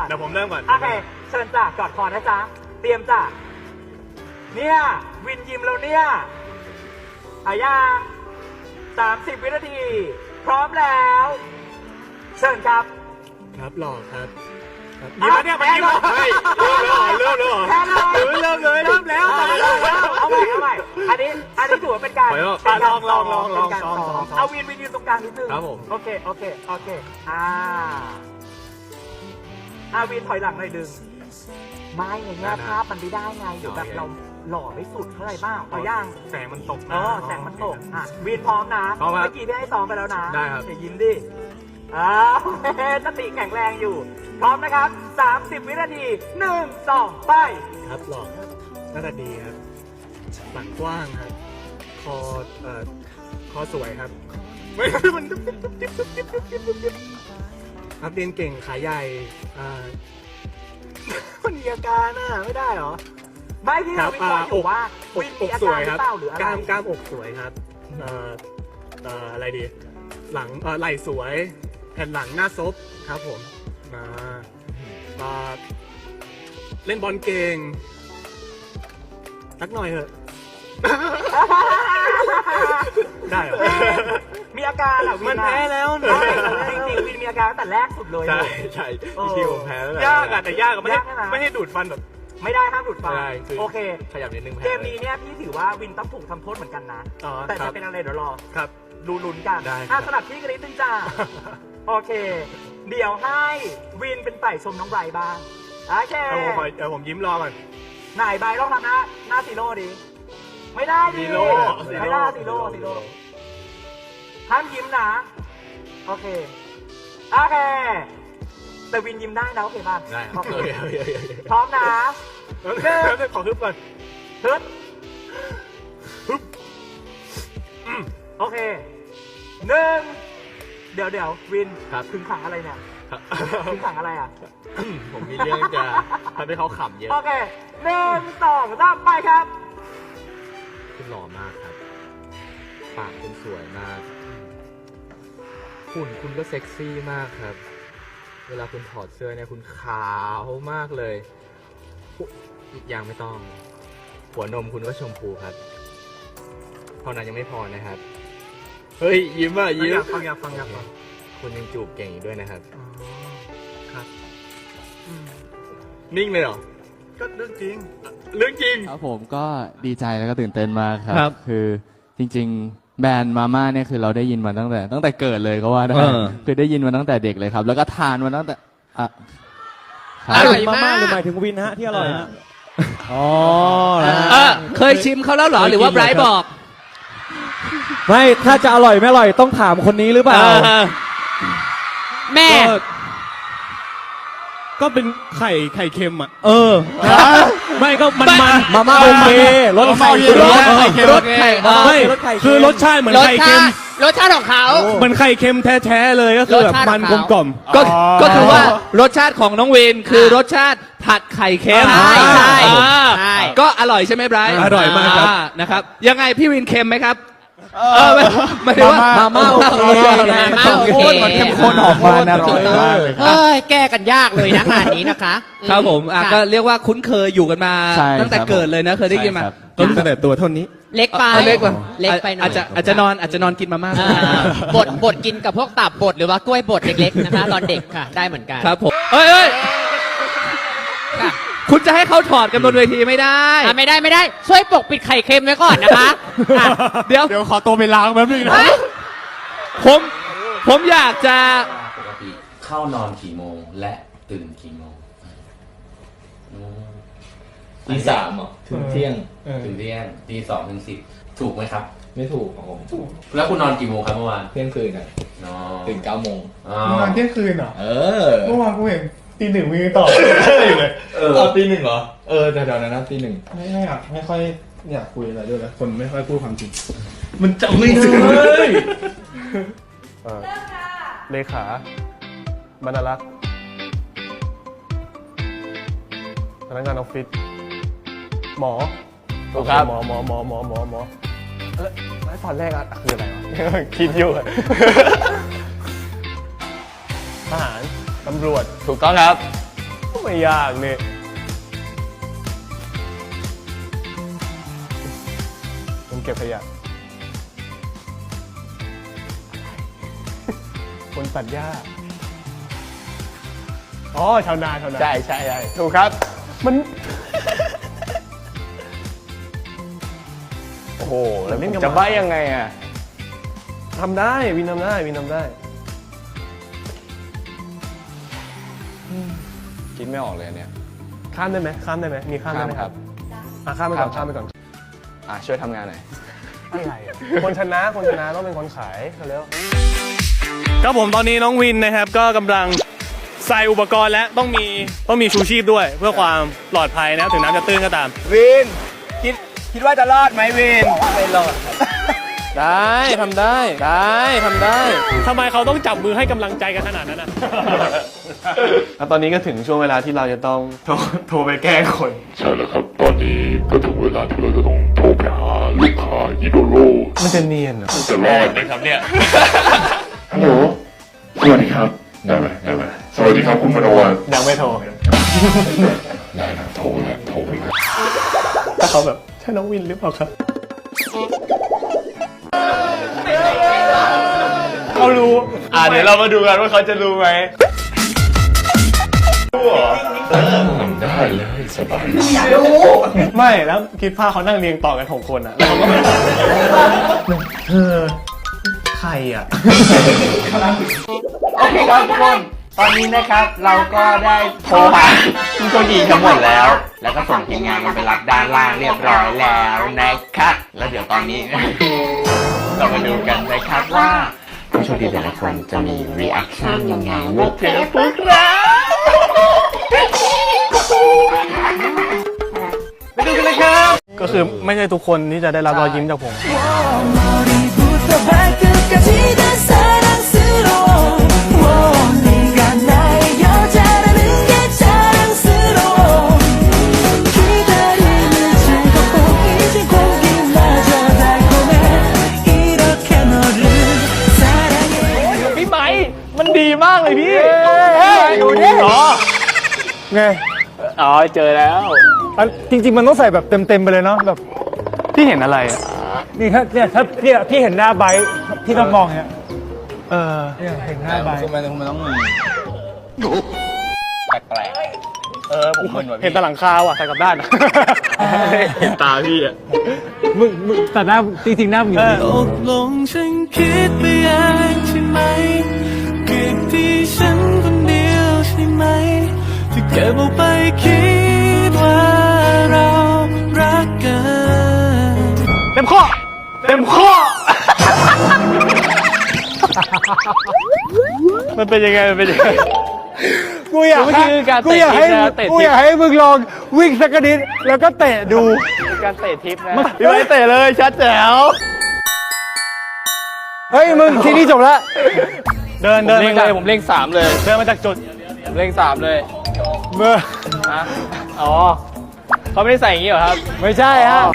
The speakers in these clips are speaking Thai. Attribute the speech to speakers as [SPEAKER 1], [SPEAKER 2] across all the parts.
[SPEAKER 1] เดี๋ยวผมเริ่มก่อน
[SPEAKER 2] โอเคเชิญจ้ะกอดคอนะจ๊ะเตรียมจ้ะเนี่ยวินยิมแล้วเนี่ยอายัง30 วินาที พร้อมแล้วเชิญครับ
[SPEAKER 1] ครับหล่อครับยิ้มแล้วเนี่ยมันยิ้มแล้วเฮ้ยเริ่มแล้วเหรอ
[SPEAKER 2] แพ้เลย
[SPEAKER 1] เริ่มเลยเริ่มแล้ว
[SPEAKER 2] เอาใหม่อันนี้ถือว่าเป็นการ
[SPEAKER 1] ลอง
[SPEAKER 2] เป็นการซ้อมเอาวินยืนตรงกลางนิดนึง
[SPEAKER 1] ครับผม
[SPEAKER 2] โอเควินถอยหลังหน่อยดึงไม่อย่างเงี้ยภาพมันไม่ได้ไงเดี๋ยวแบบเราหล่อไม่สุดเท่าไหร่บ้างเอาย่าง
[SPEAKER 1] แสงมันตก
[SPEAKER 2] แสงมันตกวินพร้อมนะ
[SPEAKER 1] พร้อมครับ
[SPEAKER 2] เมื่อกี้พี่ให้ซ้อมไปแล้วนะ
[SPEAKER 1] ได้ครับ
[SPEAKER 2] อย่ายิ้มดิสติแข็งแรงอยู่ พร้อมนะครับ 30 วินาที 1 2 ไป
[SPEAKER 1] ครับหล่อครับหน้าตาดีครับหลังกว้างครับคอสวยครับไม่มันครับเรียนเก่งขาใหญ่มันมีอาการไม่ได้เหรอ
[SPEAKER 2] ไม่ที่เราวิเคราะห์อยู่ว่าวินมีอาการหรือเปล่าหรืออะไร
[SPEAKER 1] กล้ามอกสวยครับอะไรดีหลังไหล่สวยแผ่นหลังหน้าซบครับผมเล่นบอลเก่งสักหน่อยเถอะ ได้เหรอ
[SPEAKER 2] มีอาการอ่ะวิน
[SPEAKER 1] มันแพ้แล้วนะ
[SPEAKER 2] จริงๆวินมีอาการตั้งแต่แรกสุดเลย
[SPEAKER 1] ใช่ที่ผมแพ้แล้วยากแต่ยากไม่ให้ดูดฟันแบบ
[SPEAKER 2] ไม่ได้ห้ามหลุดฟัน
[SPEAKER 1] ใช่
[SPEAKER 2] โอเค
[SPEAKER 1] ขยับนิดนึง
[SPEAKER 2] เกมนี้เนี่ยพี่ถือว่าวินต้องถูกทำโทษเหมือนกันนะแต่จะเป็นอะไรเดี๋ยวรอ
[SPEAKER 1] ครับ
[SPEAKER 2] ดูลุ้นกันสลับที่กันนิดนึงจ้าโอเค เดี๋ยวให้วินเป็นฝ่ายชมน้องไบรท์บ้างโอเค
[SPEAKER 1] ผมยิ้มรอก่อน
[SPEAKER 2] ไหนไบรท์ลองทำหน้าซีโร่ดิไม่ได้ดิไม่ได้ซีโร่ห้ามยิ้มนะโอเคแต่วินยิ้มได้นะโอเคป่ะ
[SPEAKER 1] ได้
[SPEAKER 2] โอเคพร้อมนะ
[SPEAKER 1] ขอฮึบก่อน
[SPEAKER 2] ฮึบโอเค1เดี๋ยววิน
[SPEAKER 1] ครับ
[SPEAKER 2] ถึงขังอะไรเนี่ยถึงขังอะไรอ่ะ
[SPEAKER 1] ผมมีเรื่องจะทำให้เขาขำเยอะ
[SPEAKER 2] โอเค1 2 3ไปครับ
[SPEAKER 1] คุณหล่อมากครับปากคุณสวยมากหุ่นคุณก็เซ็กซี่มากครับเวลาคุณถอดเสื้อเนี่ยคุณขาวมากเลยยังไม่ต้องหัวนมคุณก็ชมพูครับเท่านั้นยังไม่พอนะครับเฮ้ยยิ้มอ่ะยิ้มอยากฟังคุณยังจูบเก่งอีกด้วยนะครับครับนิ่งเลยเหรอก็เรื่องจริง
[SPEAKER 3] ครับผมก็ดีใจแล้วก็ตื่นเต้นมากค
[SPEAKER 1] ครั
[SPEAKER 3] รับ คือจริงๆ แบรนด์มาม่าเนี่ยคือเราได้ยินมาตั้งแต่เกิดเลยก็ว่าได้คือได้ยินมาตั้งแต่เด็กเลยครับ แล้วก็ทานมาตั้งแต่
[SPEAKER 4] อร่อยมากหรือหมายถึงวินฮะที่อร่อยฮะอ๋อ
[SPEAKER 5] เคยชิมเขาแล้วเหรอหรือว่าไบรท์บอก
[SPEAKER 4] ไม่ถ้าจะอร่อยไม่อร่อยต้องถามคนนี้หรือเปล่า
[SPEAKER 5] แม่
[SPEAKER 4] ก็เป็นไข่เค็มอ่ะไม่ก็มันมาม่าโอเครสไข่
[SPEAKER 5] รสไข่
[SPEAKER 4] ไม่คือรสชาติเหมือนไข่เค็ม
[SPEAKER 5] รสชาติของเขา
[SPEAKER 4] เหมือนไข่เค็มแท้ๆเลยก็คือแบบมันกลมๆ
[SPEAKER 5] ก็คือว่ารสชาติของน้องวินคือรสชาติผัดไข่เค็มใช่ก็อร่อยใช่ไหมไบรท์
[SPEAKER 4] อร่อยมากครับ
[SPEAKER 5] นะครับยังไงพี่วินเค็มไหมครับไม่ได้ว่า
[SPEAKER 3] มาม่าโอเคมันเข้มข้นออกมาอร่อยมากเลย
[SPEAKER 5] แก้กันยากเลยนะงานนี้นะคะครับผมก็เรียกว่าคุ้นเคยอยู่กันมาตั้งแต่เกิดเลยนะเคยได้ยินมา
[SPEAKER 4] ตั้งแต่ตัวเท่านี้
[SPEAKER 5] เล็กไปอาจจะนอนกินมาม่าบดกินกับพวกตับบดหรือว่ากล้วยบดเล็กๆนะคะตอนเด็กค่ะได้เหมือนกันครับผมเอ้ยคุณจะให้เขาถอดกันบนเวทีไม่ได้ไม่ได้ช่วยปกปิดไข่เค็มไว้ก่อนนะคะเดี๋ยว
[SPEAKER 4] ขอตัวไปล้างแป๊บนึงนะ
[SPEAKER 5] ผมอยากจะ
[SPEAKER 6] ปกติเข้านอนกี่โมงและตื่นกี่โมงตี 3เหรอถึงเที่ยงตี 2 ถึง 10ถูกไหมครับไม่ถูกของผมถูกแล้วคุณนอนกี่โมงครับเมื่อวานเที่ยงคืนตื่น 9 โมง
[SPEAKER 7] นอนเที่ยงคืนเหรอเมื่อวานกูเห็นตี 1มีต่ออยู่เลย
[SPEAKER 6] ตี 1เหรอแถวๆนั้นนะตี 1
[SPEAKER 7] ไม่ค่อยอยากคุยอะไรด้วยนะคนไม่ค่อยพูดความจริง
[SPEAKER 6] มันจำไม่ได้
[SPEAKER 1] เลขาบรรลักษ์พนักงานออฟฟิศหมอถูกครับหมอแล้วตอนแรกคืออะไรวะคิดอยู่ทหารตำรวจถูกต้องครับ
[SPEAKER 7] ไม่ยากนี่ผมเก็บขยะคนตัดหญ้าอ๋อชาวนาใช่ถูกครับมันโอ้โหแล้วผมจะใบ้ยังไงอ่ะทำได้วินทำได้
[SPEAKER 3] คิดไม่ออกเลยเนี่ย
[SPEAKER 7] ข้ามได้ไหมมีข้ามได้ไหมครับข้ามไปก่อน
[SPEAKER 3] ช่วยทำงานหน่อย
[SPEAKER 7] อะไรคนชนะต้องเป็นคนขายเร็วครับผมตอนนี้น้องวินนะครับก็กำลังใส่อุปกรณ์และต้องมีชูชีพด้วยเพื่อความปลอดภัยนะถึงน้ำจะตื้นก็ตามวินคิดว่าจะรอดไหมวินไม่รอด
[SPEAKER 3] ได้ทำได้
[SPEAKER 7] ทำไมเขาต้องจับมือให้กำลังใจกันขนาดนั้นนะแล้วตอนนี้ก็ถึงช่วงเวลาที่เราจะต้องโทรไปแก้คน
[SPEAKER 8] ใช่แล้วครับ ตอนนี้ก็ถึงเวลาที่เราจะต้องโทรไปหาลูกค้าอีโดโร
[SPEAKER 7] มันจะเนียนเหรอ
[SPEAKER 8] จะรอดไหมครับเนี่ยฮัลโหลสวัสดีครับได้ไหมสวัสดีครับคุณมโนวัน
[SPEAKER 7] ยังไม่โทร
[SPEAKER 8] ได้นะโทรเลย
[SPEAKER 7] ถ้าเขาแบบใช่น้องวินหรือเปล่าครับเขารู้เดี๋ยวเรามาดูกันว่าเขาจะรู้ไหม
[SPEAKER 8] ได้เลยสบาย
[SPEAKER 7] ไม่แล้วคิดภาพเขานั่งเรียงต่อกัน6 คนอ่ะใครอ่ะ
[SPEAKER 2] โอเคครับทุกคนตอนนี้นะครับเราก็ได้โทรหาผู้โชคดีทั้งหมดแล้วก็ส่งทีมงานกันไปรับด้านล่างเรียบร้อยแล้วนะครับแล้วเดี๋ยวตอนนี้ เรามาดูกันนะครับว่าผู้โชคดีแต่ละคนจะมีรีแอคชั่นยังไงเมื่อเจอพวกเราไปดูกันเลยครับ
[SPEAKER 7] ก็คือไม่ใช่ทุกคนที่จะได้รับรอยยิ้มจากผมพี่ไม้มันดีมากเลยพี่ดูดิไงเจอแล้วจริงๆมันต้องใส่แบบเต็มไปเลยเนาะแบบพี่เห็นอะไรนี่ถ้าถ้าพี่เห็นหน้าไบค์ที่ต้องมองเนี่ยเนี่ยเห็นหน้าไบค์
[SPEAKER 3] มันต้องแปลกผม
[SPEAKER 7] เห็นแต่หลังคาว่ะใส่กลับด้านเห็นตาพี่อ่ะมึงแต่หน้าจริงๆหน้ามึงอยู่ตกลงฉันคิดไปเองใช่ไหมเก็บที่ฉันคนเดียวใช่ไหมที่เก็บเอาไปคิดว่าเรารักกันเต็มข้อมันเป็นยังไงกูอยากให้มึงลองวิ่งสักนิดแล้วก็เตะดูการเตะทิปนะพี่ไว้เตะเลยชัดแจ๋วเฮ้ยมึงทีนี้จบแล้วเดินมาจากผมเล่ง3เลยเดินมาจากจุดเล่ง3เลยเมื่ออ๋อเขาไม่ได้ใส่อย่างนี้เหรอครับไม่ใช่ฮะ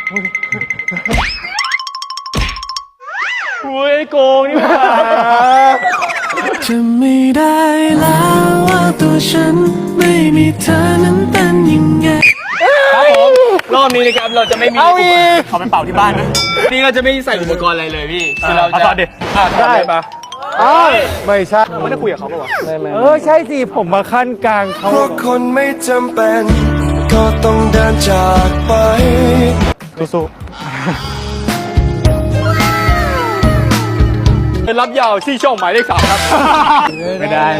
[SPEAKER 7] อุ้ยโกงนี่หว่าจะไม่ได้แล้วว่าตัวฉันไม่มีเธอนั้นเป็นยังไงครับผมรอบนี้นะครับเราจะไม่มีเขาไปเป่าที่บ้านนะนี่เราจะไม่ใส่อุปกรณ์อะไรเลยพี่คือเราจะได้ปะไม่ใช่ไม่ได้คุยกับเขาปะวะใช่สิผมมาขั้นกลางเขาเพราะคนไม่จำเป็นก็ต้องเดินจากไปสู้เป็นรับยาวที่ช่องหมายเลข 3ครับไม่ได้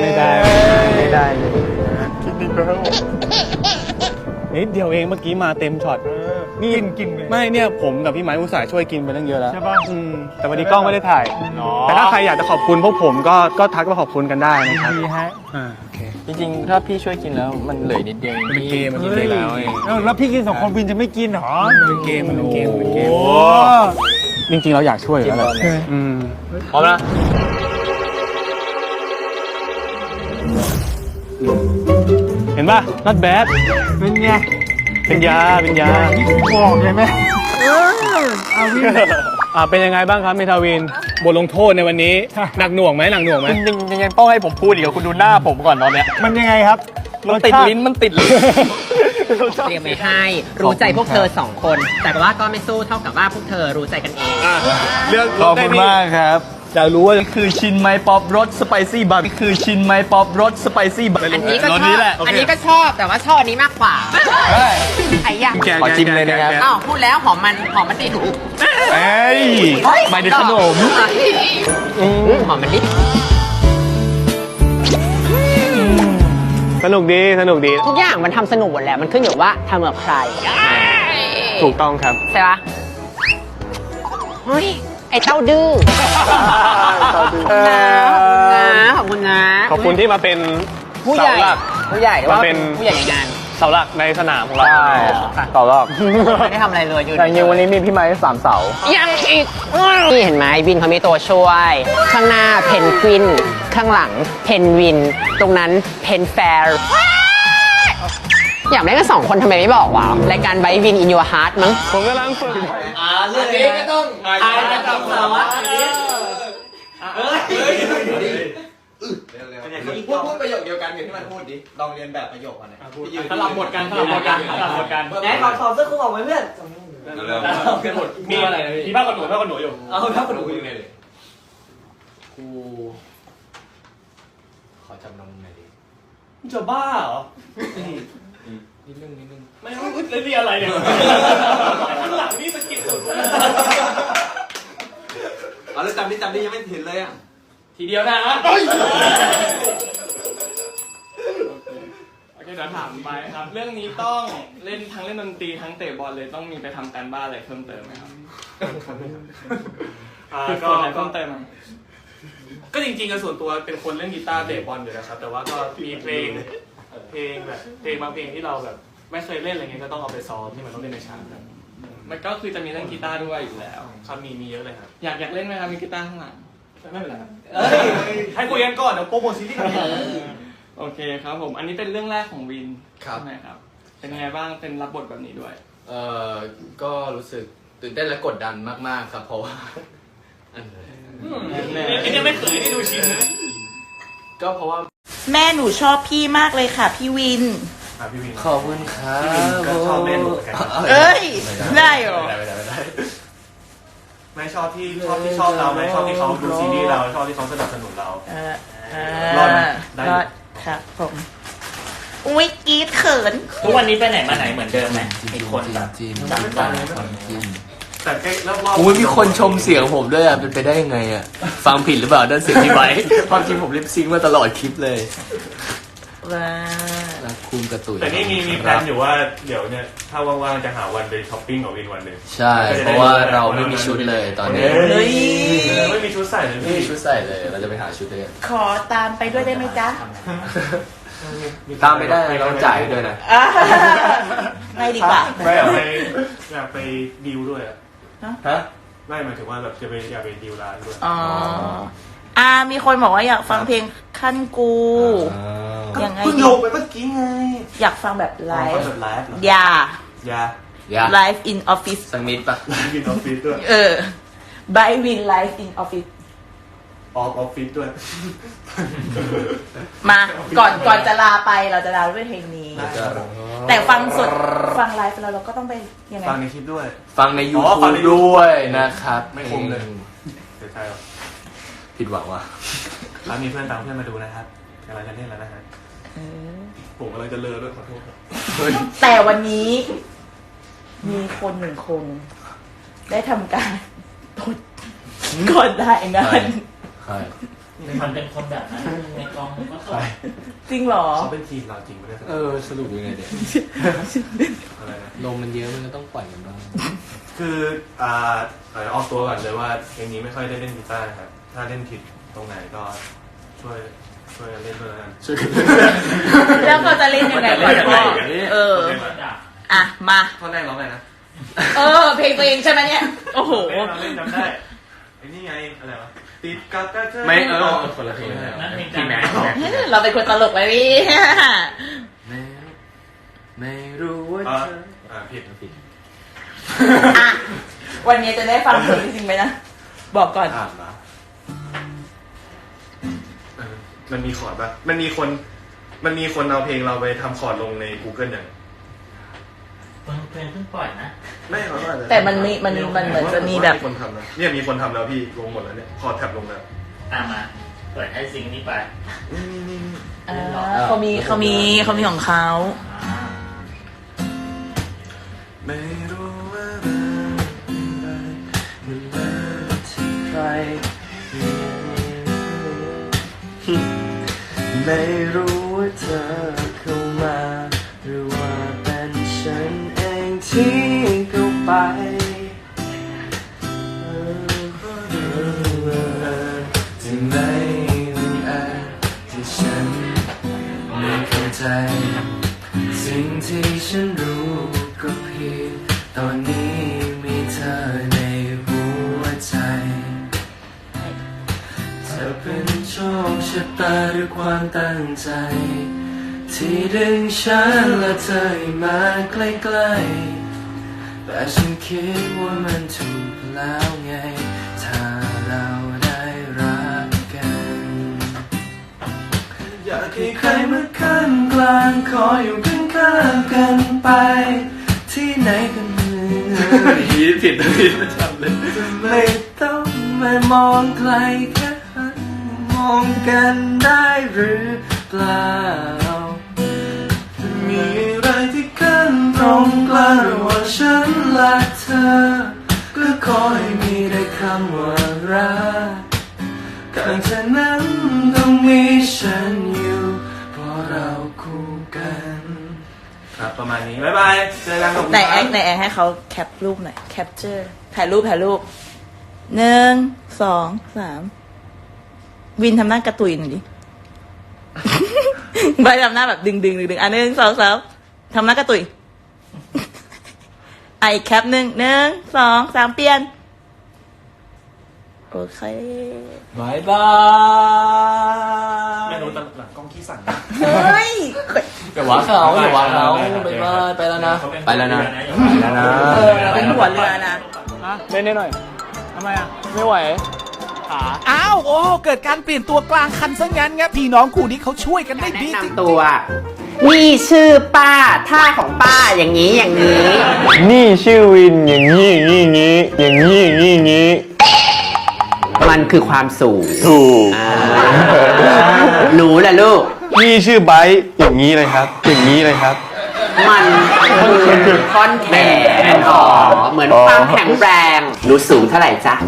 [SPEAKER 7] คิดดีแล้วนิดเดียวเองเมื่อกี้มาเต็มช็อตนี่กินไม่เนี่ยผมกับพี่ไม้อุตส่าห์ช่วยกินไปตั้งเยอะแล้วใช่ป่ะแต่วันนี้กล้องไม่ได้ถ่ายแต่ถ้าใครอยากจะขอบคุณพวกผมก็ทักมาขอบคุณกันได้นะครับดีฮะโอเคจริงๆถ้าพี่ช่วยกินแล้วมันเหลือนิดเดียวมันเป็นเกมแล้วแล้วพี่กิน2 คนวินจะไม่กินหรอมันเป็นเกมจริงๆเราอยากช่วยอยู่แล้วพร้อมนะเห็นป่ะ not bad เป็นไงเป็นยาบอกใช่ไหมเป็นยังไงบ้างครับเมทาวินบทลงโทษในวันนี้หนักหน่วงไหมจริงๆยังต้องให้ผมพูดอีกคุณดูหน้าผมก่อนตอนเนี้ยมันยังไงครับ
[SPEAKER 3] มันติดลิ้นมันติดลิ้น
[SPEAKER 5] เตรียมไว้ให้รู้ใจพวกเธอสองคน แต่ว่าก็ไม่สู้เท่ากับว่าพวกเธอรู้ใจกันเอง
[SPEAKER 4] เรื่อง
[SPEAKER 3] ขอบคุณมากครับอยากรู้ว่าคือชินไมป๊อปรสสไปซี่บัตคือชินไมป๊อปรสสไปซี่บัต
[SPEAKER 5] อันนี้ก็ชอบ
[SPEAKER 3] แหละ
[SPEAKER 5] อันนี้ก็ชอบแต่ว่าชอบอันนี้มากกว่าไอ้ยะ
[SPEAKER 3] ขอชิมเลยนะครับ
[SPEAKER 5] อ้าวพูดแล้วหอมมันดิ
[SPEAKER 3] เอ้ยหมายถึงขนม
[SPEAKER 5] หอมมันดิ
[SPEAKER 7] สนุกดีสนุกดี
[SPEAKER 5] ทุกอย่างมันทำสนุกหมดแหละมันขึ้นอยู่ว่าทำกับใคร
[SPEAKER 7] ถูกต้องครับ
[SPEAKER 5] ใช่ปะเฮ้ยไอ้เต้าดื้อขอบคุณนะ
[SPEAKER 7] ขอบคุณที่มาเป็น
[SPEAKER 5] ผู้ใหญ่
[SPEAKER 7] เสาหลัก
[SPEAKER 5] ผู้ใหญ่ว่า
[SPEAKER 7] มาเป็น
[SPEAKER 5] ผู้ใหญ่ในงาน
[SPEAKER 7] เสาหลักในสนามของเรา
[SPEAKER 3] ต่อรอบ
[SPEAKER 5] ไม่ได้ทำอะไรเลยอยู่
[SPEAKER 3] แต่จริงๆวันนี้มีพี่ไม้3 เสา
[SPEAKER 5] ยังอีกนี่เห็นไหมวินเขามีตัวช่วย ข้างหน้าเพนกวิน ข้างหลังเพนวิน ตรงนั้นเพนแฟร์อยากได้กัน2 คนทำไมไม่บอกวะรายการไบวินอินยูฮาร์ดมั้ง
[SPEAKER 7] ผมกำลังฝึก
[SPEAKER 2] เรื่องนี้ก็ต้องอ่านระดับสารวัตรอันนี้พูดประโยคเดียวกันกับที่มันพูดดิลองเรียนแบบประโยคมันนะสลับหมดกันสลับหมดกันไหนขอเสื้อคลุมออกมาเพื่อนมีอะไรนะพี่ผ้าขนหนูอยู่เอาผ้าขนหนูอยู่ไหนเลยกูขอจำนำหน่อยดิจะบ้าเหรอนิดนึงไม่รู้เรียนอะไรเนี่ยข้างหลังนี่สกิดสุดเอาแล้วจำดิยังไม่เห็นเลยอ่ะทีเดียวนะโอเคเดี๋ยวถามไปครับเรื่องนี้ต้องเล่นทั้งเล่นดนตรีทั้งเตะบอลเลยต้องมีไปทำการบ้านอะไรเพิ่มเติมไหมครับก็เพิ่มเติมก็จริงๆส่วนตัวเป็นคนเล่นกีตาร์เตะบอลอยู่นะครับแต่ว่าก็มีเพลงแบบเพลงบางเพลงที่เราแบบไม่เคยเล่นอะไรเงี้ยก็ต้องเอาไปซ้อมที่มันต้องเล่นในฉากครับมันก็คือจะมีเล่นกีตาร์ด้วยอยู่แล้วครับมีเยอะเลยครับอยากเล่นไหมครับมีกีตาร์ข้างหลังไม่เป็นไรครับให้คุยกันก่อนเดี๋ยวโปรโมทซีรีส์กันโอเคครับผมอันนี้เป็นเรื่องแรกของวินใช่ไหมครับเป็นยังไงบ้างเป็นรับบทแบบนี้ด้วย
[SPEAKER 1] ก็รู้สึกตื่นเต้นและกดดันมากๆครับเพราะว่า
[SPEAKER 2] นี่ไม่เคยได้ดูชินนะ
[SPEAKER 1] ก็เพราะว่า
[SPEAKER 9] แม่หนูชอบพี่มากเลยค่ะพี่วิน
[SPEAKER 1] ขอบคุณครับ
[SPEAKER 2] ก็ชอบเล่นเหมือนกัน
[SPEAKER 9] เอ้ย ได้เหรอ
[SPEAKER 2] ไม่ชอบที่ชอบเราไม่ชอบที่เขาดูซีรีส์เราชอบที่เขาสนับสนุนเรา
[SPEAKER 9] รอดครับผม อุ้ยกรี๊ดเขิน
[SPEAKER 2] ทุกวันนี้ไปไหนมาไหนเหมือนเดิมไหมมีคนแบบแต่แค่รอบๆ
[SPEAKER 1] โอ้ยมีคนชมเสียงผมด้วยอ่ะเป็นไปได้ยังไงอ่ะฟังผิดหรือเปล่าด้านเสียงพี่ไว้ความจริงผมลิปซิงค์มาตลอดคลิปเลยรักคุณกระตุย
[SPEAKER 10] แต่นี่มีแพลนอยู่ว่าเดี๋ยวเนี่ยถ้าว่างๆจะหาวันไปช้อปปิ้งกับวินวันหนึ่ง
[SPEAKER 1] ใช่เพราะว่าเราไม่มีชุดเลยตอนนี้
[SPEAKER 9] เฮ้ย
[SPEAKER 10] ไม่มีชุดใส่เลย
[SPEAKER 1] ไม่
[SPEAKER 10] พี่
[SPEAKER 1] มีชุดใส่เลยเราจะไปหาชุดเลย
[SPEAKER 9] ขอตามไปด้วยได้ไหมจ๊ะ
[SPEAKER 1] ตามไม่ได้เราจ่ายด้วยนะ
[SPEAKER 9] ไม่ดีกว่า
[SPEAKER 10] ไม่อยากไปดีลด้วยอะ
[SPEAKER 1] ฮะ
[SPEAKER 10] ไม่หมายถึงว่าแบบอยากไปดีลร้านด้วย
[SPEAKER 9] อ๋อ มีคนบอกว่าอยากฟังเพลงขั้นกูยังไง
[SPEAKER 2] เพิ่งลงไปเมื่อกี้ไง
[SPEAKER 9] อยากฟังแบบไลฟ์
[SPEAKER 10] แบบไลฟ์เหรอ
[SPEAKER 9] อย่า
[SPEAKER 10] อย่า
[SPEAKER 9] ไลฟ์ in office
[SPEAKER 1] สักนิดปะ
[SPEAKER 10] วินออฟฟิศด้วย
[SPEAKER 9] by win live in office
[SPEAKER 10] ออฟฟิศด้วย
[SPEAKER 9] มาก่อนจะลาไปเราจะลาด้วยเพลงนี้ แต่ฟังสดฟังไลฟ์แล้วเราก็ต้องไปยังไง
[SPEAKER 10] ฟังในคลิปด้วย
[SPEAKER 1] ฟังใน
[SPEAKER 10] อ๋อฟัง
[SPEAKER 1] YouTube
[SPEAKER 10] ใน YouTube
[SPEAKER 1] ด้วยนะครับ
[SPEAKER 10] ไม่คมเลยเสียใจหรอ
[SPEAKER 1] ผิดหวังว่ะ
[SPEAKER 10] แล้วมีเพื่อนตามเพื่อนมาดูนะครับกำลังจะเล่นแล้วนะฮะผมกำลังจะเลอด้วยขอโทษครับ
[SPEAKER 9] แต่วันนี้มีคน1 คน ได้ทำการตดก่อนได้งาน
[SPEAKER 1] ใช่
[SPEAKER 2] มันเป็นคนแบบนั้นในกองก็ตก
[SPEAKER 9] จริงเหรอ
[SPEAKER 10] เขาเป็นทีมเราจริงไม่ได้
[SPEAKER 1] สรุปยังไงเด็ก
[SPEAKER 10] อะไรนะ
[SPEAKER 1] ลมมันเยอะมันก็ต้องปล่อยกันบ้าง
[SPEAKER 10] คือออกตัวก่อนเลยว่าเพลงนี้ไม่ค่อยได้เล่นกีตาร์ครับถ้าเล่นผิดตรงไหนก็ช่วยกันเล่นด้วยนะ
[SPEAKER 9] แล้วเขาจะเล่นยังไงก่อนพ่ออ่ะ มา
[SPEAKER 10] ท่อนแรกร้องไงนะ
[SPEAKER 9] เพลงตัวเองใช่ไหมเนี่ย โอ้โห
[SPEAKER 10] เล่นจำได้ไอ้นี่ไงอะไรวะติดกับเธอ
[SPEAKER 1] ไม่คนละเพลง
[SPEAKER 10] พี่แม็ก
[SPEAKER 9] เราเป็นคนตลกไปพี่
[SPEAKER 1] ไม่รู้ว่าเธอ
[SPEAKER 10] ผิด
[SPEAKER 9] อ่ะ วันนี้จะได้ฟังเพลงจริงไหมนะ บอกก่อน
[SPEAKER 1] อ่านมา
[SPEAKER 10] มันมีคอร์ดป่ะมันมีคนมันมีคนเอาเพลงเราไปทำคอร์ดลงใน Google อย่าง
[SPEAKER 6] เพลงเพิ่งปล่อยนะ
[SPEAKER 10] ไม่เขาอาจจะ
[SPEAKER 9] แต่มันเหมือนจะมีแบบ
[SPEAKER 10] มีคนทำนะเนี่ยมีคนทำแล้วพี่ลงหมดแล้วเนี่ยคอร์ดแท็บลงแล้ว
[SPEAKER 6] มาเปิดให้ซิงค์นี้ไป
[SPEAKER 9] เขามีของเขา
[SPEAKER 7] ไม่รู้ว่ามันมาที่ใครไม่รู้ว่าเธอเข้ามาหรือว่าเป็นฉันเองที่เข้าไปที่ไม่บังเอิญที่ฉันไม่เข้าใจสิ่งที่ฉันรู้ก็เพียงตอนนี้มีเธอในหัวใจเธอเป็นโชคชะตาหรือความตั้งใจที่ดึงฉันและเธอให้มาใกล้ๆแต่ฉันคิดว่ามันถูกแล้วไงถ้าเราได้รักกันอยากให้ใครมาขั้นกลางขออยู่ข้างๆกันไปที่ไหนกัน
[SPEAKER 10] ผิดผิดไม่จำเลย
[SPEAKER 7] ไม่ต้องมามองไกลแค่หันมองกันได้หรือเปล่ามีอะไรที่ขั้นตรงกลางระหว่างฉันและเธอก็ขอให้มีได้คำว่ารักข้างเธอนั้นต้องมีฉันอยู่เพราะเราคู่กัน
[SPEAKER 10] ครับประมาณนี้บ๊ายบายเจอกัน
[SPEAKER 9] ไหนแอคให้เขาแคปรูปหน่อยแคปเจอร์ถ่ายรูป1 2 3วินทำหน้ากระตุยหน่อยดิใบทำหน้าแบบดึง1 2 3ทำหน้ากระตุยไอแคป1 2 3เปลี่ยนโอเค
[SPEAKER 2] บายบาย
[SPEAKER 10] ไม่รู้ตหลังกล้องขี้สั่น
[SPEAKER 9] เฮ้ย
[SPEAKER 1] อย่าว่าเขาอย่าว่าเขาไปแล้วนะไปแล้วนะ
[SPEAKER 9] เป็นหัวเรือนะ
[SPEAKER 2] เล่นได้หน่อยทำไมอ่ะไม่ไหว
[SPEAKER 11] อ้าวโอ้เกิดการเปลี่ยนตัวกลางคันซะงั้นครับพี่น้องคู่นี้เขาช่วยกันได้ดีจริง
[SPEAKER 5] ตัวนี่ชื่อป้าท่าของป้าอย่างนี้อย่างนี้
[SPEAKER 8] นี่ชื่อวินอย่างนี้อย่างนี้อย่างนี้อย่างนี้
[SPEAKER 5] มันคือความสูง
[SPEAKER 8] ถูก
[SPEAKER 5] หนูแหละลูก
[SPEAKER 8] นี่ชื่อไบค์อย่างนี้เลยครับ อย่างนี้เลยครับ
[SPEAKER 5] มันคือท่อนแขนเหมือนความแข็งแรงหนูสูงเท่าไหร่จ๊ะ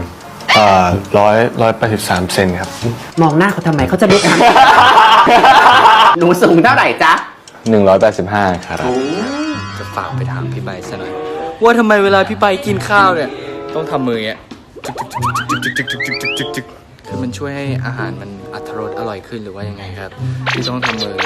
[SPEAKER 8] 183 เซนครับ
[SPEAKER 5] มองหน้าเขาทำไมเขาจะรู้ทัน หนูสูงเท่าไหร่จ๊ะ
[SPEAKER 8] 185 ครับ
[SPEAKER 3] จะฝากไปถามพี่ใบซะหน่อยว่าทำไมเวลาพี่ใบกินข้าวเนี่ยต้องทำมืออย่างเงี้ยจึกคือมันช่วยให้อาหารมันอรรถรสอร่อยขึ้นหรือว่ายังไงครับที่ต้องทำมือ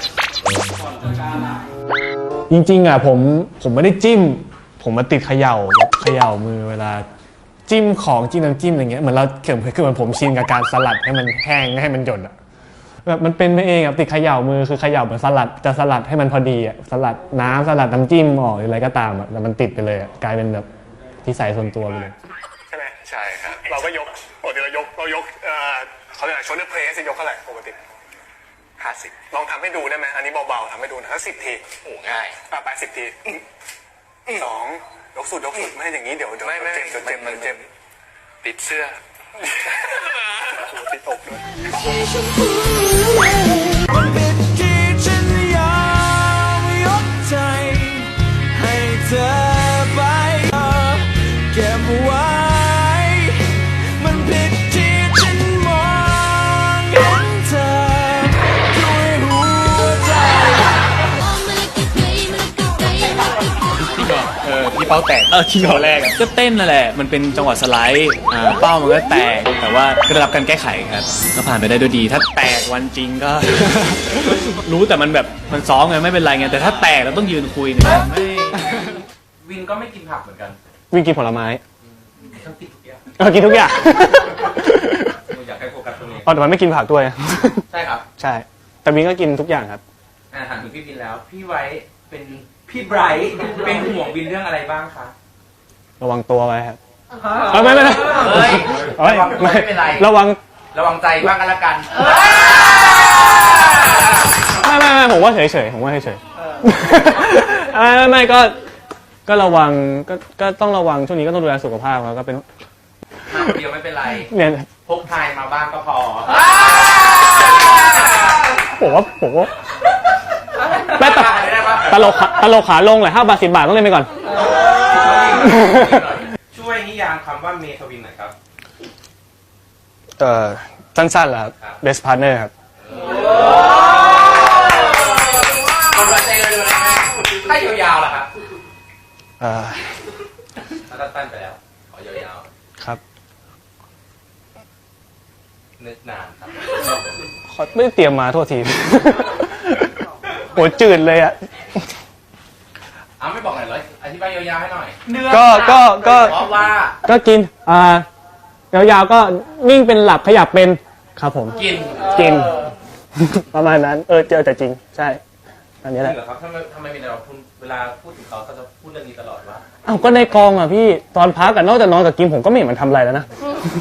[SPEAKER 12] จริงๆอ่ะผมไม่ได้จิ้มผมมาติดเขย่ามือเวลาจิ้มของจิ้มน้ำจิ้มอะไรเงี้ยเหมือนเราคือเหมือนผมชินกับการสลัดให้มันแห้งให้มันหยดอ่ะแบบมันเป็นไปเองอ่ะติดเขย่ามือคือเขย่าเหมือนสลัดให้มันพอดีอ่ะสลัดน้ำสลัดน้ำจิ้มออกหรืออะไรก็ตามอ่ะแต่มันติดไปเลยอ่ะกลายเป็นแบบนิสัยส่วนตัวไปเลย
[SPEAKER 10] ใช่ไหมใช่ครับเราก็ยกปกติเรายกเขาเรียกอะไรโชว์เนอร์เพลสยกเท่าไหร่ปกติ50ลองทำให้ดูได้ไหมอันนี้เบาๆทำให้ดูนะถ้า10 ทีโอ้ง่ายไป10 ที2ยกสุดไม่ให้อย่างนี้เดี๋ยวไม่เจ็บติดเสื้อติดอกด้วย
[SPEAKER 7] มันเป็นที่ฉันยอมยกใจให้เธอไปเก็บไว้มันผิดที่ฉันมองเห็นเธอด้วยหัวใจ
[SPEAKER 4] พี่เป้าแตกจริงเหรอแรกก็เต้นนั่นแหละมันเป็นจังหวะสไลด์เป้ามันก็แตกแต่ว่าก็ได้รับการแก้ไขครับก็ผ่านไปได้ด้วยดีถ้าแตกวันจริงก็ รู้แต่มันแบบมันซ้อมไงไม่เป็นไรไงแต่ถ้าแตกเราต้องยืนคุยเนี่ยไม่
[SPEAKER 1] วินก็ไม่กินผักเหมือนกัน
[SPEAKER 12] วินกินผลไม้
[SPEAKER 1] กินทุกอย่าง
[SPEAKER 12] กินทุกอย่าง
[SPEAKER 1] อยากให้โฟกัสตรงนี้
[SPEAKER 12] อ๋อแต่มันไม่กินผักด้วย
[SPEAKER 1] ใช่ครับ
[SPEAKER 12] ใช่แต่วินก็กินทุกอย่างครับ
[SPEAKER 1] ถามถึงพี่วินแล้วพี่ไว้เป็นพี่ไบรท์เป็นห่วงวินเรื่องอะไรบ้างคะ
[SPEAKER 12] ระวังตัวไว้ครับไม่
[SPEAKER 1] ไม่เป็นไร
[SPEAKER 12] ระวัง
[SPEAKER 1] ใจบ้างกันละกัน
[SPEAKER 12] ไม่ผมว่าเฉยๆผมว่าเฉยๆไม่ก็ระวังก็ต้องระวังช่วงนี้ก็ต้องดูแลสุขภาพแล้วก็เป็น
[SPEAKER 6] มาคนเดียวไม่เป็นไร
[SPEAKER 12] เนี่ย
[SPEAKER 6] พกพายมาบ้างก็พอ
[SPEAKER 12] ผมว่าแม่ตลกขาลงเลย5 บาท 10 บาทต้องเล่นไปก่อน
[SPEAKER 6] ช่วยนิยามคำว่าเมทวินหน่อยครับ
[SPEAKER 12] สั้นๆเหรอครับ best partner ครับ
[SPEAKER 6] คนละใจเลยนะถ้ายาวๆล่ะครับถ้าสั้นไปแล้วขอยาวๆ
[SPEAKER 12] ครับ
[SPEAKER 6] นึกนานครับ
[SPEAKER 12] ไม่ได้เตรียมมาโทษที โหจืดเลยอ่ะ
[SPEAKER 6] ไม่บอกหน่อยเลยอธิบายยาวๆให้หน่อย
[SPEAKER 12] เพราะว่าก็กินยาวๆก็นิ่งเป็นหลับขยับเป็นครับผมกิน ประมาณนั้นเจอแต่จริงใช่อันนี้แหละ
[SPEAKER 6] จริงเหรอครับทำไมมีแต่คุณเวลาพูดถึงเขาจะพูดเรื่องนี้ตลอดว่า
[SPEAKER 12] ก็ในกองอ่ะพี่ตอนพักกันนอกจากนอนกับกินผมก็ไม่เห็นมันทำอะไรแล้วนะ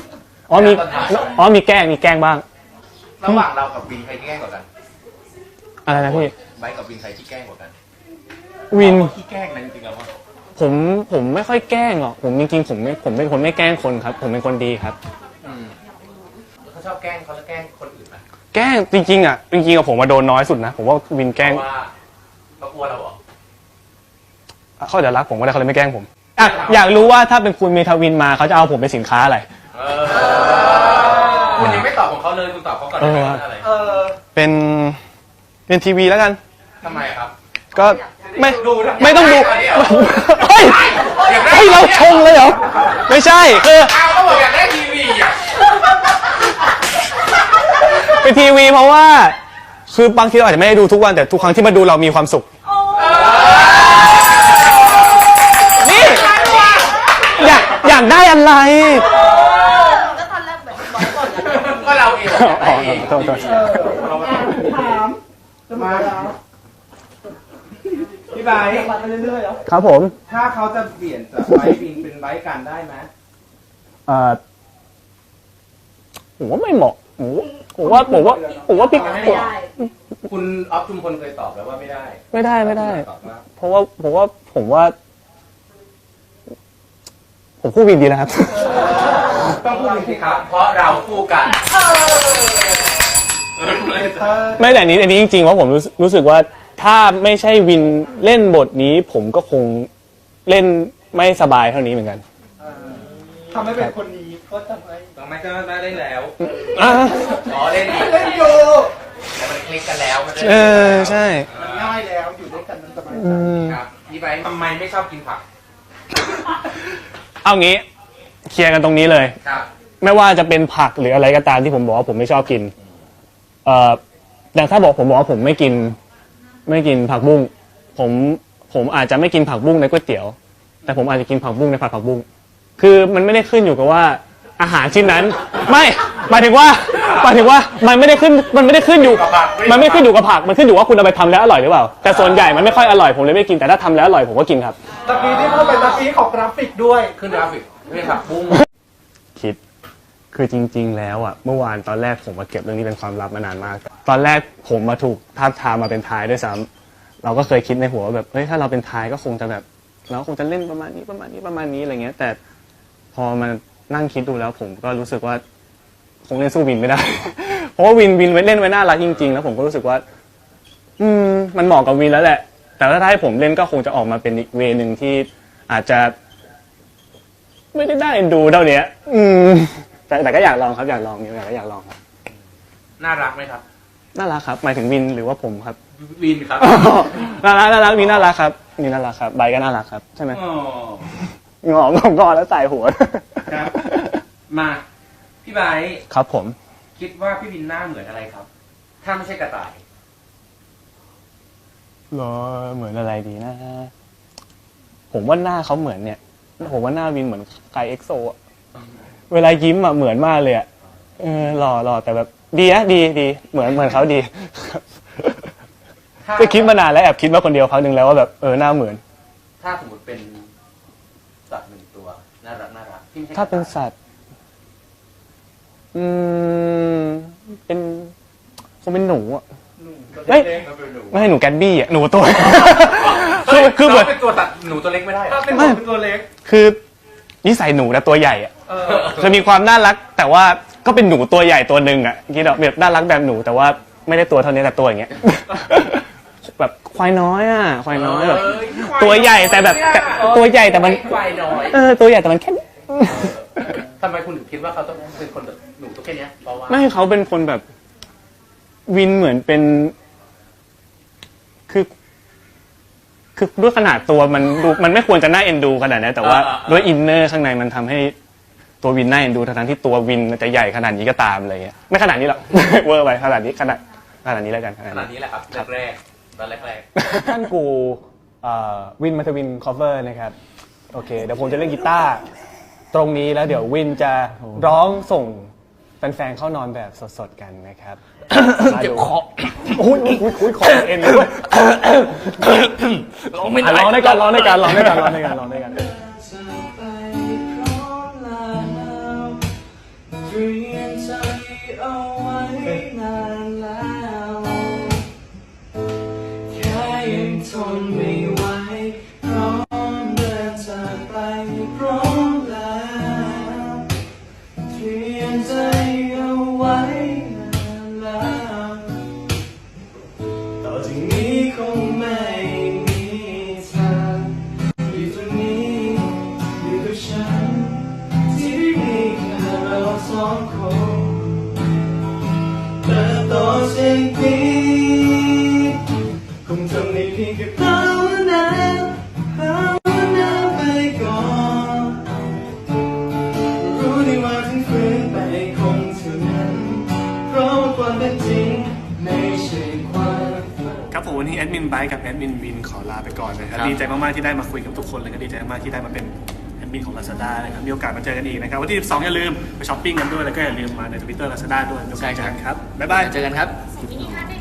[SPEAKER 12] มีแกล้งบ้าง
[SPEAKER 6] ระหว่างเรากับวินใครที่แกล้งกว่ากัน
[SPEAKER 12] อะไรนะพี่
[SPEAKER 6] ไบค์กับวินใครที่แกล้งกว่ากัน
[SPEAKER 12] วิน
[SPEAKER 6] ที่แกล้งนะจริงๆแล้ว
[SPEAKER 12] ผมไม่ค่อยแกล้งหรอกผมจริงๆผมเป็นคนไม่แกล้งคนครับ ผมเป็นคนดีครับ
[SPEAKER 6] เขาชอบแกล้งเขาแล้วแกล้งคนอื่นไหม
[SPEAKER 12] แกล้งจริงๆผมมาโดนน้อยสุดนะผมว่าวินแกล้ง
[SPEAKER 6] ว่าเขากลัวเราเหรอ
[SPEAKER 12] เขาจะรักผมก็ได้เขาเลยไม่แกล้งผมอยากรู้ว่าถ้าเป็นคุณเมทาวินมาเขาจะเอาผมเป็นสินค้าอะไร
[SPEAKER 6] คุณยังไม่ตอบของเขาเลยคุณตอบเขาก่อนอะไร
[SPEAKER 12] เป็นทีวีแล้วกัน
[SPEAKER 6] ทำไมครับ
[SPEAKER 12] ก็ไม่ต้องดูเฮ้ยเราชงเลยเหรอไม่ใช่
[SPEAKER 6] เขาบอกอยากได้ทีวี
[SPEAKER 12] เป็นทีวีเพราะว่าคือบางทีเราอาจจะไม่ได้ดูทุกวันแต่ทุกครั้งที่มาดูเรามีความสุขนี่อยากได้อะไร
[SPEAKER 6] ก็เราเอง
[SPEAKER 9] ถามจะมาแล้วพี่ไบค์ไปเรื่อยๆ
[SPEAKER 12] ครับผม
[SPEAKER 6] ถ้าเขาจะเปลี่ยนจากไบค์วินเป็นไบค์กันได้ไหม
[SPEAKER 12] ผมว่าไม่เหมาะผมว่าพี่
[SPEAKER 6] คุณออฟจุมพลเคยตอบแล้วว่าไม่ได้
[SPEAKER 12] เพราะว่าผมคู่วินดีนะครับ
[SPEAKER 6] ต้องคู่วินสิครับเพราะเราคู่กัน
[SPEAKER 12] ไม่แต่อันนี้จริงๆว่าผมรู้สึกว่าถ้าไม่ใช่วินเล่นบทนี้ผมก็คงเล่นไม่สบายเท่านี้เหมือนกัน
[SPEAKER 9] ทำให้เป็นคนดีก็ทำไม
[SPEAKER 6] ก็ได้เล่นแล้วเล่น
[SPEAKER 9] อยู่
[SPEAKER 6] แต่มันคลิกกันแล้วมัน
[SPEAKER 12] ใช่
[SPEAKER 9] มันง่ายแล้วอยู่ด้วยกันมันสบายใจ
[SPEAKER 6] ครับพี่ไบค์ทำไมไม่ชอบกินผัก
[SPEAKER 12] เอางี้เคลียร์กันตรงนี้เลยไม่ว่าจะเป็นผักหรืออะไรก็ตามที่ผมบอกว่าผมไม่ชอบกินแต่ถ้าผมบอกว่าผมไม่กินผักบุ้งผมอาจจะไม่กินผักบุ้งในก๋วยเตี๋ยวแต่ผมอาจจะกินผักบุ้งในผัดผักบุ้งคือมันไม่ได้ขึ้นอยู่กับว่าอาหารชิ้นนั้นไม่หมายถึงว่ามันไม่ได้ขึ้นอยู่มันไม่ขึ้นอยู่กับผักมันขึ้นอยู่ว่าคุณเอาไปทำแล้วอร่อยหรือเปล่าแต่ส่วนใหญ่มันไม่ค่อยอร่อยผมเลยไม่กินแต่ถ้าทำแล้วอร่อยผมก็กินครับ
[SPEAKER 9] ตะกี้ที่พูดเป็นตะกี้ของกราฟิกด้วย
[SPEAKER 6] ขึ้นกราฟิกไม่ผักบุ้ง
[SPEAKER 12] คิดคือจริงๆแล้วเมื่อวานตอนแรกผมมาเก็บเรื่องนี้เป็นความลับมานานมากตอนแรกผมมาถูกทาบทามมาเป็นทายด้วยซ้ำเราก็เคยคิดในหัวว่าแบบเฮ้ยถ้าเราเป็นทายก็คงจะแบบเราคงจะเล่นประมาณนี้อะไรเงี้ยแต่พอมานั่งคิดดูแล้วผมก็รู้สึกว่าคงเล่นสู้วินไม่ได้ เพราะว่าวินเล่นไว้น่ารักจริงๆแล้วผมก็รู้สึกว่ามันเหมาะกับวินแล้วแหละแต่ถ้าให้ผมเล่นก็คงจะออกมาเป็นอีกเวนึงที่อาจจะไม่ได้น่าเอ็นดูเท่านี้แต่ก็อยากลองครับอยากลองครับ
[SPEAKER 6] น่ารักไหมครับ
[SPEAKER 12] น่ารักครับหมายถึงวินหรือว่าผมครับ
[SPEAKER 6] วินครับ
[SPEAKER 12] น่ารักวินน่ารักครับนี่น่ารักครับใบก็น่ารักครับใช่ไหมงอแล้วใส่หัว
[SPEAKER 6] ครับมาพี่ไบค์
[SPEAKER 12] ครับผม
[SPEAKER 6] คิดว่าพี่วินหน้าเหมือนอะไรครับถ้าไม่ใช่กระต่าย
[SPEAKER 12] เหมือนอะไรดีนะผมว่าหน้าเขาเหมือนเนี่ยผมว่าหน้าวินเหมือนไกเอ็กโซอะเวลายิ้มเหมือนมากเลยหล่อแต่แบบดีนะดีเหมือนเขาดีก็คิดมานานแล้วแอบคิดมาคนเดียวครั้งนึงแล้วว่าแบบหน้าเหมือน
[SPEAKER 6] ถ้าสมมติเป็นสัตว์หนึ่งตัวน่ารัก
[SPEAKER 12] ถ้าเป็นสัตว์คงเป็นหนูอ่ะเฮ้ยไม่ให้หนูแกตบี้อ่ะหนูตัวคือเหมือน
[SPEAKER 6] เป็นตัวตัดหนูตัวเล็กไม่ได้เป็นตัวเล็ก
[SPEAKER 12] คือนิสัยหนูนะตัวใหญ่อ่ะคือมีความน่ารักแต่ว่าก็เป็นหนูตัวใหญ่ตัวหนึ่งอ่ะคิดเอาแบบน่ารักแบบหนูแต่ว่าไม่ได้ตัวเท่านี้แต่ตัวอย่างเงี้ยแบบควายน้อยอ่ะควายน้อยแบบตัวใหญ่แต่แบบตัวใหญ่แต่มันควายน้อยตัวใหญ่แต่มันแค่
[SPEAKER 6] ทำไมคุณถึงคิดว่าเขาต้องเป็นคนแบบหนูตัวแค่นี้เพราะว่า
[SPEAKER 12] ไม่เขาเป็นคนแบบวินเหมือนเป็นคือด้วยขนาดตัวมันดูมันไม่ควรจะน่าเอ็นดูขนาดนั้นแต่ว่าด้วยอินเนอร์ข้างในมันทำให้ตัววินน่าเอ็นดูทั้งที่ตัววินจะใหญ่ขนาดนี้ก็ตามอะไรเงี้ยไม่ขนาดนี้หรอก เวอร์ไปขนาดนี้แล้วกัน
[SPEAKER 6] ขนาดนี้แหละครับแรกตอนแรก
[SPEAKER 12] ท่านกูวินมาทวินคอฟเวอร์นะครับโอเคเดี๋ยวผมจะเล่นกีตาร์ตรงนี้แล้วเดี๋ยววินจะร้องส่งแฟนๆเข้านอนแบบสดๆกันนะครับเจ็บคอโอ้ยคอเอ็นด้วยร้องไม่ได้ร้องด้วยกัน
[SPEAKER 7] ทนไม่ไหวพร้อมเดินจากไปพร้อมแล้วเตรียมใจเอาไว้นานแล้วต่อจากนี้คงไม่มีทางอยู่ตรงนี้อยู่กับฉันที่มีแค่เราสองคนเติบโตสิ่งนี้คงทำได้เพียงแค่ภาวนาไปก่อนรู้ดีว่าถึงฝืนไปคงเท่านั้นเพราะว่าความเป็นจริงไม่ใช่ความฝัน
[SPEAKER 10] ครับผมวันนี้แอดมินไบค์กับแอดมินวินขอลาไปก่อนนะครับดีใจมากๆที่ได้มาคุยกับทุกคนเลยก็ดีใจมากๆที่ได้มาเป็นแอดมินของ Lazada นะครับมีโอกาสมาเจอกันอีกนะครับวันที่12อย่าลืมไปช้อปปิ้งกันด้วยแล้วก็อย่าลืมมาใน Twitter Lazada ด้วยเดี๋ยวเจอกันครับบ๊ายบาย
[SPEAKER 6] เจอกันครับ
[SPEAKER 13] สิ่งที่ท่านได้